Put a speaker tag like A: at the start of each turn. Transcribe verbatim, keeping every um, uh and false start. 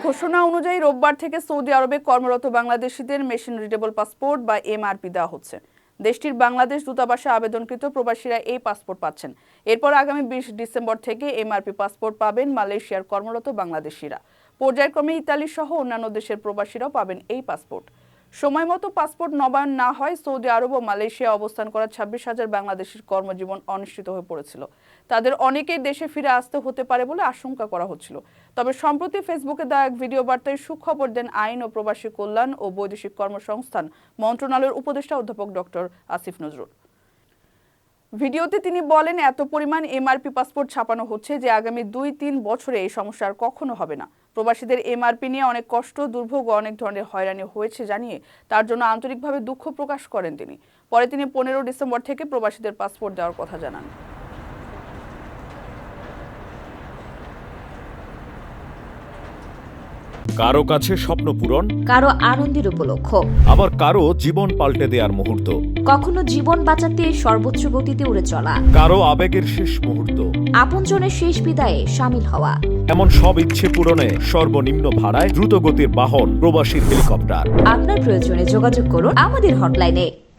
A: ঘোষণা অনুযায়ী রোববার থেকে সৌদি আরবে কর্মরত বাংলাদেশিদের মেশিন রিডেবল পাসপোর্ট বা এমআরপি দেওয়া হচ্ছে। দেশটির বাংলাদেশ দূতাবাসে আবেদনকৃত প্রবাসীরা এই পাসপোর্ট পাচ্ছেন। এরপর আগামী বিশ ডিসেম্বর থেকে এমআরপি পাসপোর্ট পাবেন মালয়েশিয়ার কর্মরত বাংলাদেশিরা। পর্যায়ক্রমে ইতালি সহ অন্যান্য দেশের প্রবাসীরাও পাবেন এই পাসপোর্ট। সময় মতো পাসপোর্ট নবায়ন না হয় সৌদি আরব ও মালয়েশিয়া অবস্থান করা ছাব্বিশ হাজার বাংলাদেশির কর্মজীবন অনিশ্চিত হয়ে পড়েছিল। তাদের অনেকেই দেশে ফিরে আসতে হতে পারে বলে আশঙ্কা করা হচ্ছিল। তবে সম্প্রতি ফেসবুকে দেওয়া এক ভিডিও বার্তায় সুখবর দেন আইন ও প্রবাসী কল্যাণ ও বৈদেশিক কর্মসংস্থান মন্ত্রণালয়ের উপদেষ্টা অধ্যাপক ডক্টর আসিফ নজরুল। ভিডিওতে তিনি বলেন, এত পরিমাণ এমআরপি পাসপোর্ট ছাপানো হচ্ছে যে আগামী দুই তিন বছরে এই সমস্যা আর কখনো হবে না। প্রবাসীদের এমআরপি নিয়ে অনেক কষ্ট, দুর্ভোগ ও অনেক ধরনের হয়রানি হয়েছে জানিয়ে তার জন্য আন্তরিকভাবে দুঃখ প্রকাশ করেন তিনি। পরে তিনি পনেরো ডিসেম্বর থেকে প্রবাসীদের পাসপোর্ট দেওয়ার কথা জানান।
B: কারো কাছে স্বপ্ন পূরণ,
C: কারো আনন্দের উপলক্ষ,
B: আবার কারো জীবন পাল্টে দেওয়ার মুহূর্ত,
C: কখনো জীবন বাঁচাতে সর্বোচ্চ গতিতে উড়ে চলা,
B: কারো আবেগের শেষ মুহূর্ত,
C: আপনজনের শেষ বিদায়ে শামিল হওয়া।
B: এমন সব ইচ্ছে পূরণে সর্বনিম্ন ভাড়ায় দ্রুতগতির বাহন প্রবাসীর হেলিকপ্টার।
C: আপনার প্রয়োজনে যোগাযোগ করুন আমাদের হটলাইনে।